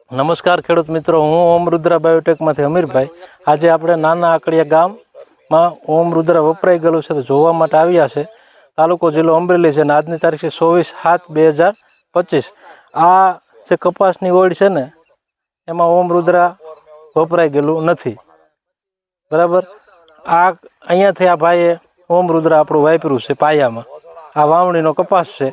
નમસ્કાર ખેડૂત મિત્રો, હું ઓમ રુદ્રા બાયોટેકમાંથી અમીરભાઈ. આજે આપણે નાના આકડિયા ગામમાં ઓમ રુદ્રા વપરાઈ ગયેલું છે તો જોવા માટે આવ્યા છે. તાલુકો જિલ્લો અમરેલી છે અને આજની તારીખ છે 24/7/2025. આ જે કપાસની ઓળ છે ને એમાં ઓમ રુદ્રા વપરાઈ ગયેલું નથી, બરાબર. આ અહીંયાથી આ ભાઈએ ઓમ રુદ્રા આપણું વાપર્યું છે પાયામાં. આ વાવણીનો કપાસ છે.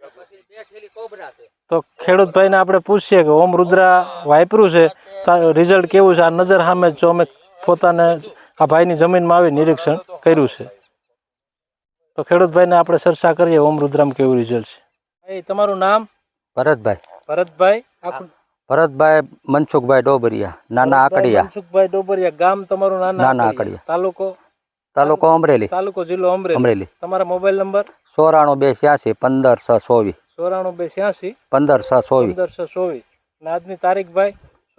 તો ખેડૂત ભાઈને આપણે પૂછીએ કે ઓમ રુદ્રા વાપર્યું છે તો રિઝલ્ટ કેવું છે. આ નજર સામે જો અમે પોતાને આ ભાઈની જમીનમાં આવી નિરીક્ષણ કર્યું છે, તો ખેડૂત ભાઈને આપણે ચર્ચા કરીએ ઓમ રુદ્રામાં કેવું રિઝલ્ટ છે. એ તમારું નામ? ભરતભાઈ. ભરતભાઈ ભરતભાઈ મનસુખભાઈ ડોબરિયા, નાના આકડિયા. મનસુખભાઈ ડોબરિયા, ગામ તમારું નાના આકડિયા, તાલુકો અમરેલી, તાલુકો જિલ્લો અમરેલી. તમારા મોબાઈલ નંબર? 94 82 15 624. 94 82 15 624. અને આજની તારીખ ભાઈ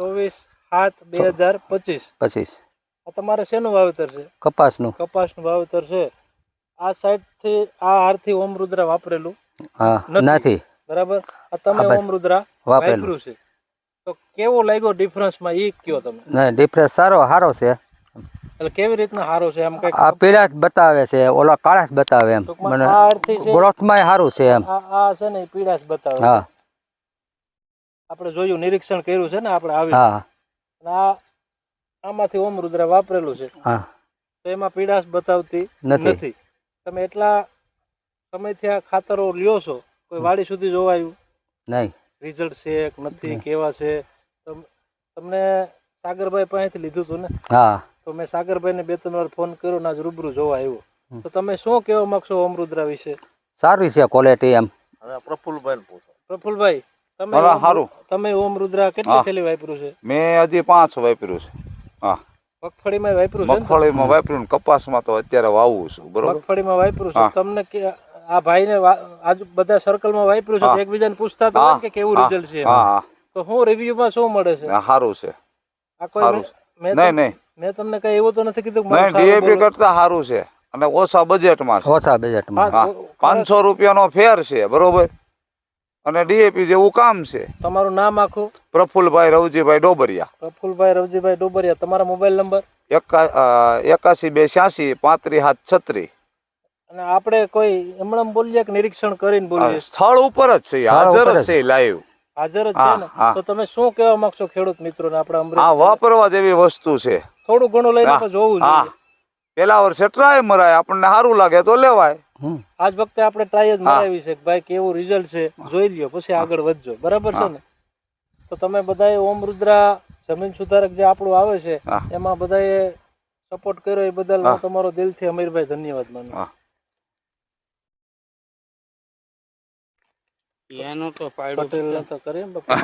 24/7/2025. આ તમારે શેનું વાવેતર છે? કપાસનું. કપાસનું વાવેતર છે. આ સાઈડ થી આ હારથી ઓમ રુદ્રા વાપરેલું નથી, બરાબર. આ તમે ઓમ રુદ્રા વાપરેલું છે, તો કેવો લાગ્યો ડિફરન્સમાં એ કયો તમે? નહીં, ડિફરન્સ સારો છે. એટલે કેવી રીતના સારો છે? એમ કઈ આ પીળાશ બતાવે છે, ઓલા કાળાશ બતાવે. એમ મને ગ્રોથમાં સારું છે. એમ આ છે ને પીળાશ બતાવે. હા, આપણે જોયું, નિરીક્ષણ કર્યું છે ને આપણે આવી. હા, આ આમાંથી ઓમ રુદ્રા વાપરેલું છે. હા, તો એમાં પીળાશ બતાવતી નથી. તમે એટલા સમયથી આ ખાતરો લ્યો છો, કોઈ વાડી સુધી જોવાયું નહીં? રિઝલ્ટ છે કે નથી, કેવા છે? તમને સાગરભાઈ પાસેથી લીધું હતું ને? હા, તો મેં સાગરભાઈને 2-3 વાર ફોન કર્યો ને આજ રૂબરૂ જોવા આવ્યો. તો તમે શું કહેવા માંગશો ઓમ રુદ્રા વિશે? સારી છે ક્વોલિટી. એમ પ્રફુલભાઈ પૂછો. પ્રફુલભાઈ, તમે ઓમ રુદ્રા કેટલી થેલી વાપર્યું છે? મેં હજી 5 વાપર્યું છે. હા, મગફળીમાં વાપર્યું છે? મગફળીમાં વાપર્યું, કપાસમાં તો અત્યારે વાવું છું. બરોબર, મગફળીમાં વાપર્યું છે. તમને આ ભાઈને આજુ બધા સર્કલમાં વાપર્યું છે, એકબીજાને પૂછતા હતા કે કેવું રિઝલ્ટ છે? તો હું રિવ્યુમાં શું મળે છે? સારું છે. આ કોઈ નહીં, મેં તમને કઈ એવું તો નથી કીધું ડીએપી કરતા સારું છે અને ઓછા બજેટમાં. 500 રૂપિયાનો ફેર છે, બરોબર. અને ડીએપી જેવું કામ છે. તમારું નામ આખું? પ્રફુલભાઈ રવજીભાઈ ડોબરિયા. પ્રફુલભાઈ રવજીભાઈ ડોબરિયા. તમારા મોબાઈલ નંબર? 81 286 35 736. અને આપણે કોઈ એમણે બોલીએ કે નિરીક્ષણ કરીને બોલીએ? સ્થળ ઉપર જ છે, હાજર જ છે, લાઈવ હાજર જ છે ને? તો તમે શું કહેવા માંગશો ખેડૂત મિત્રોને? આપણે આ વાપરવા જેવી વસ્તુ છે. થોડું ઘણું લઈને જોવું જોઈએ. પેલા વર્ષે ટ્રાય મરાય, આપણને સારું લાગે તો લેવાય. આજ વખતે આપણે ટ્રાય જ મરાવી છે કે ભાઈ કેવું રિઝલ્ટ છે જોઈ લ્યો, પછી આગળ વધજો, બરાબર છે ને? તો તમે બધાએ ઓમ રુદ્રા જમીન સુધારક જે આપણું આવે છે એમાં બધાએ સપોર્ટ કર્યો એ બદલ હું તમારો દિલથી અમીરભાઈ ધન્યવાદ માનું. એનો તો પાયડો પટેલ તો કરે.